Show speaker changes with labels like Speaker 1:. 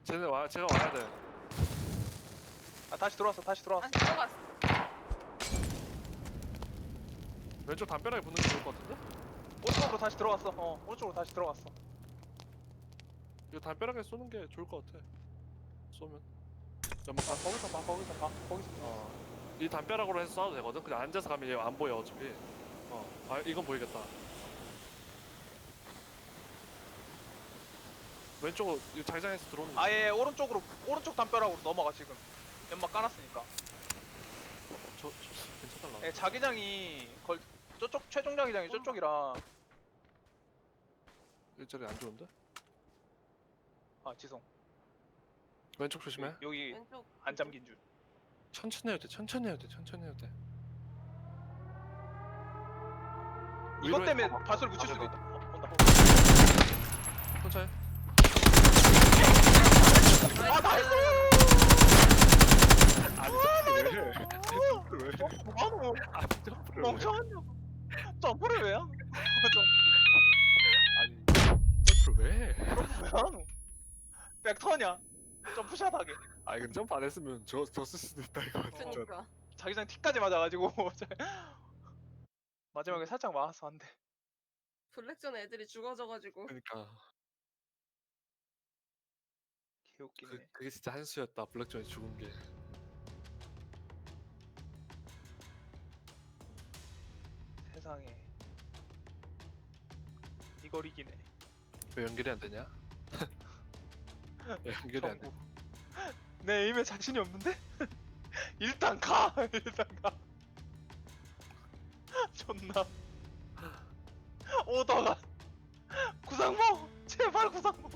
Speaker 1: 제가 와야 돼.
Speaker 2: 아 다시 들어왔어. 다시 들어왔어.
Speaker 3: 안 들어갔어.
Speaker 1: 왼쪽 담벼락에 붙는 게 좋을 것 같은데?
Speaker 2: 오른쪽으로 다시 들어왔어. 오른쪽으로 다시 들어갔어.
Speaker 1: 이거 담벼락에 쏘는 게 좋을 것 같아. 쏘면. 연막
Speaker 2: 아, 거기서 봐. 거기서 봐. 거기서 봐.
Speaker 1: 이 담벼락으로 해서 쏴도 되거든. 그냥 앉아서 가면 얘 안 보여 어차피. 아 이건 보이겠다. 왼쪽 이 자기장에서 들어오는 거.
Speaker 2: 아예 오른쪽으로 오른쪽 담벼락으로 넘어가 지금. 연막 깔았으니까.
Speaker 1: 저 괜찮달라.
Speaker 2: 예, 자기장이 저쪽 최종 자기장이 저쪽이라.
Speaker 1: 일자리 안 좋은데?
Speaker 2: 아 지성.
Speaker 1: 왼쪽 조심해.
Speaker 2: 여기
Speaker 3: 왼쪽.
Speaker 2: 안 잠긴 줄.
Speaker 1: 천천히 해도 돼. 천천히 해도 돼. 천천히 해도 돼.
Speaker 2: 이것
Speaker 1: 위로
Speaker 2: 때문에
Speaker 1: 해서 막-
Speaker 2: 발소리 묻힐 수도
Speaker 1: 맞아,
Speaker 2: 있다. 온다.
Speaker 1: 천천히.
Speaker 2: 아 나이스!
Speaker 1: 아니 점프를 왜 해? 점프를 왜 해?
Speaker 2: 뭐하노?
Speaker 1: 아니 점프를 왜 해?
Speaker 2: 멍청하냐고. 점프를 왜 하노?
Speaker 1: 아니 점프를 왜 해?
Speaker 2: 왜 하노? 백터냐? 점프샷하게.
Speaker 1: 아 이건 점프 안 했으면 졌을 수도 있다 이거 진짜.
Speaker 3: 그니까.
Speaker 2: 자기장 티까지 맞아가지고 마지막에 살짝 맞았어 안 돼.
Speaker 3: 블랙존 애들이 죽어져가지고.
Speaker 1: 그러니까
Speaker 2: 개웃기네.
Speaker 1: 그게 진짜 한수였다. 블랙존이 죽은 게.
Speaker 2: 세상에 이걸 이기네.
Speaker 1: 왜 연결이 안 되냐? 왜 연결이 안 돼?
Speaker 2: 정국. 내 에임에 자신이 없는데? 일단 가! 일단 가. 존나. 오더가. 구상모! 제발 구상모!